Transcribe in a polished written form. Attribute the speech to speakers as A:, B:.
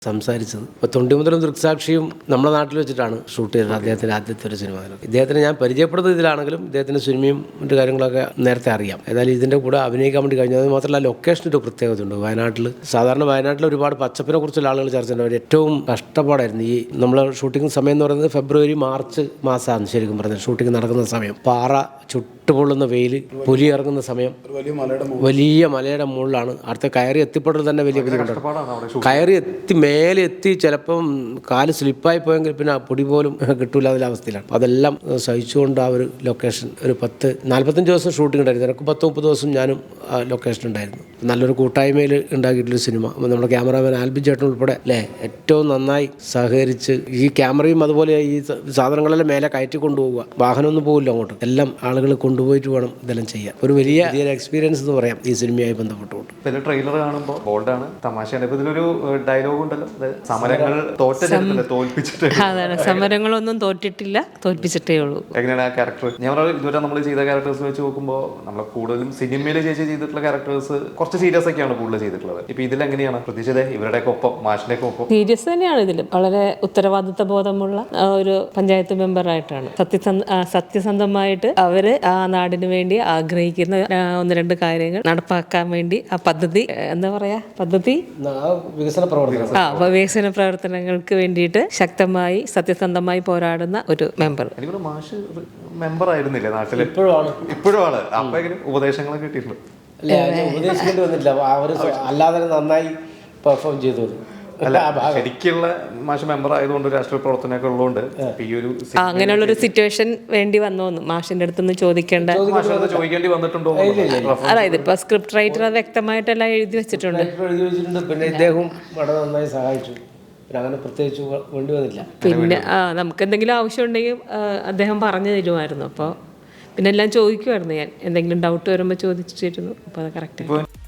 A: സംസാരിച്ചത്. ഇപ്പോൾ തൊണ്ടിമുതലും ദൃക്സാക്ഷിയും നമ്മുടെ നാട്ടിൽ വെച്ചിട്ടാണ് ഷൂട്ട് ചെയ്തത് അദ്ദേഹത്തിൻ്റെ ആദ്യത്തെ ഒരു സിനിമ. ഇദ്ദേഹത്തിന് ഞാൻ പരിചയപ്പെടുന്നത് ഇതിലാണെങ്കിലും ഇദ്ദേഹത്തിൻ്റെ സിനിമയും മറ്റു കാര്യങ്ങളൊക്കെ നേരത്തെ അറിയാം. ഏതായാലും ഇതിൻ്റെ കൂടെ അഭിനയിക്കാൻ വേണ്ടി കഴിഞ്ഞത് മാത്രമല്ല ലൊക്കേഷൻ്റെ ഒരു പ്രത്യേകതയുണ്ട്. വയനാട്ടിൽ സാധാരണ വയനാട്ടിൽ ഒരുപാട് പച്ചപ്പിനെ കുറിച്ചുള്ള ആളുകൾ ചർച്ച ചെയ്യുന്നത് ഏറ്റവും കഷ്ടപ്പാടായിരുന്നു. ഈ നമ്മൾ ഷൂട്ടിംഗ് സമയം എന്ന് പറയുന്നത് ഫെബ്രുവരി മാർച്ച് മാസമാണ് ശരിക്കും പറഞ്ഞത്. ഷൂട്ടിംഗ് നടക്കുന്ന സമയം പാറ ചുട്ടുപൊള്ളുന്ന വെയിൽ, പുലി ഇറങ്ങുന്ന സമയം, വലിയ മലയുടെ മുകളിലാണ്. അടുത്ത കയറി എത്തിപ്പെടൽ തന്നെ വലിയ ബുദ്ധിമുട്ടാണ്. കയറി എത്തി മേലെ എത്തി ചിലപ്പം കാല് സ്ലിപ്പായി പോയെങ്കിൽ പിന്നെ പൊടി പോലും കിട്ടൂല അതിലെ അവസ്ഥയിലാണ്. അതെല്ലാം സഹിച്ചുകൊണ്ട് ആ ഒരു ലൊക്കേഷൻ ഒരു 45 ദിവസം ഷൂട്ടിംഗ് ഉണ്ടായിരുന്നു. എനിക്ക് 30-30 ദിവസം ഞാനും ആ ലൊക്കേഷൻ ഉണ്ടായിരുന്നു. നല്ലൊരു കൂട്ടായ്മയിൽ ഉണ്ടാക്കിയിട്ടുള്ളൊരു സിനിമ. നമ്മുടെ ക്യാമറാമാൻ ആൽബിൻ ചേട്ടൻ ഉൾപ്പെടെ അല്ലേ ഏറ്റവും നന്നായി സഹകരിച്ച് ഈ ക്യാമറയും അതുപോലെ ഈ സാധനങ്ങളെല്ലാം മേലെ കയറ്റി കൊണ്ടുപോവുക. വാഹനമൊന്നും പോകില്ല അങ്ങോട്ട്, എല്ലാം ആളുകൾ കൊണ്ടുപോയിട്ട് വേണം ഇതെല്ലാം ചെയ്യാൻ. ഒരു വലിയ എക്സ്പീരിയൻസ് എന്ന് പറയാം ഈ സിനിമയുമായി ബന്ധപ്പെട്ടുകൊണ്ട്.
B: ട്രെയിലർ കാണുമ്പോൾ ബോൾഡാണ്, തമാശയാണ്. ഇപ്പൊ ഇതിലൊരു ഡയലോഗ് ഉണ്ടല്ലോ, സമരങ്ങൾ തോൽപ്പിച്ചിട്ട്.
C: അതാണ്, സമരങ്ങളൊന്നും തോറ്റിട്ടില്ല, തോൽപ്പിച്ചിട്ടേ ഉള്ളൂ.
B: എങ്ങനെയാണ് ആ ക്യാരക്ടർ? ഞാൻ ഇതുവരെ നമ്മൾ ചെയ്ത ക്യാരക്ടേഴ്സ് വെച്ച് നോക്കുമ്പോൾ നമ്മൾ കൂടുതലും സിനിമയിൽ ചെയ്തിട്ടുള്ള ക്യാരക്ടേഴ്സ് കുറച്ച് സീരിയസ് ഒക്കെയാണ് കൂടുതൽ ചെയ്തിട്ടുള്ളത്. ഇപ്പൊ ഇതിലെങ്ങനെയാണ് പ്രതീക്ഷിച്ചത്? ഇവരുടെയൊക്കെ ഒപ്പം, മാഷിന്റെയൊക്കെ ഒപ്പം
C: സീരിയസ് തന്നെയാണ്. ഇതിലും വളരെ ഉത്തരവാദിത്വ ബോധമുള്ള ഒരു പഞ്ചായത്ത് മെമ്പറായിട്ടാണ്. സത്യസന്ധമായിട്ട് അവര് ആ നാടിന് വേണ്ടി ആഗ്രഹിക്കുന്ന 1-2 കാര്യങ്ങൾ നടപ്പാക്കാൻ വേണ്ടി ആ പദ്ധതി വികസന പ്രവർത്തനങ്ങൾക്ക് വേണ്ടിയിട്ട് ശക്തമായി സത്യസന്ധമായി പോരാടുന്ന ഒരു മെമ്പർ.
B: മാഷ് മെമ്പർ ആയിരുന്നില്ലേ നാട്ടിൽ? ഇപ്പോഴും ആണ്. അപ്പൊ ഉപദേശങ്ങളൊക്കെ കിട്ടിയിട്ടുണ്ട്.
A: ഉപദേശിക്കേണ്ടി വന്നില്ല, അവർ അല്ലാതെ നന്നായി പെർഫോം ചെയ്തു.
B: അല്ല, ശരിക്കുള്ള മാഷ് മെമ്പർ ആയതുകൊണ്ട് രാഷ്ട്രീയ പ്രവർത്തനമൊക്കെ ഉള്ളതുകൊണ്ട് ഈ ഒരു
C: അങ്ങനെയുള്ളൊരു സിറ്റുവേഷൻ വേണ്ടി വന്നു മാഷിന്റെ അടുത്തുനിന്ന്
B: ചോദിക്കേണ്ടി വന്നിട്ടുണ്ടോ?
C: അതായത് ഇപ്പൊ സ്ക്രിപ്റ്റ് റൈറ്റർ അത് വ്യക്തമായിട്ടെല്ലാം എഴുതി വെച്ചിട്ടുണ്ട്.
A: പിന്നെ ഇദ്ദേഹം വളരെ നന്നായി സഹായിച്ചു. അങ്ങനെ പ്രത്യേകിച്ച് വേണ്ടി വന്നില്ല.
C: പിന്നെ നമുക്ക് എന്തെങ്കിലും ആവശ്യം ഉണ്ടെങ്കിൽ അദ്ദേഹം പറഞ്ഞു തരുമായിരുന്നു. അപ്പോൾ പിന്നെ എല്ലാം ചോദിക്കുമായിരുന്നു. ഞാൻ എന്തെങ്കിലും ഡൗട്ട് വരുമ്പോൾ ചോദിച്ചിരുന്നു. അപ്പോൾ അത് കറക്റ്റ്.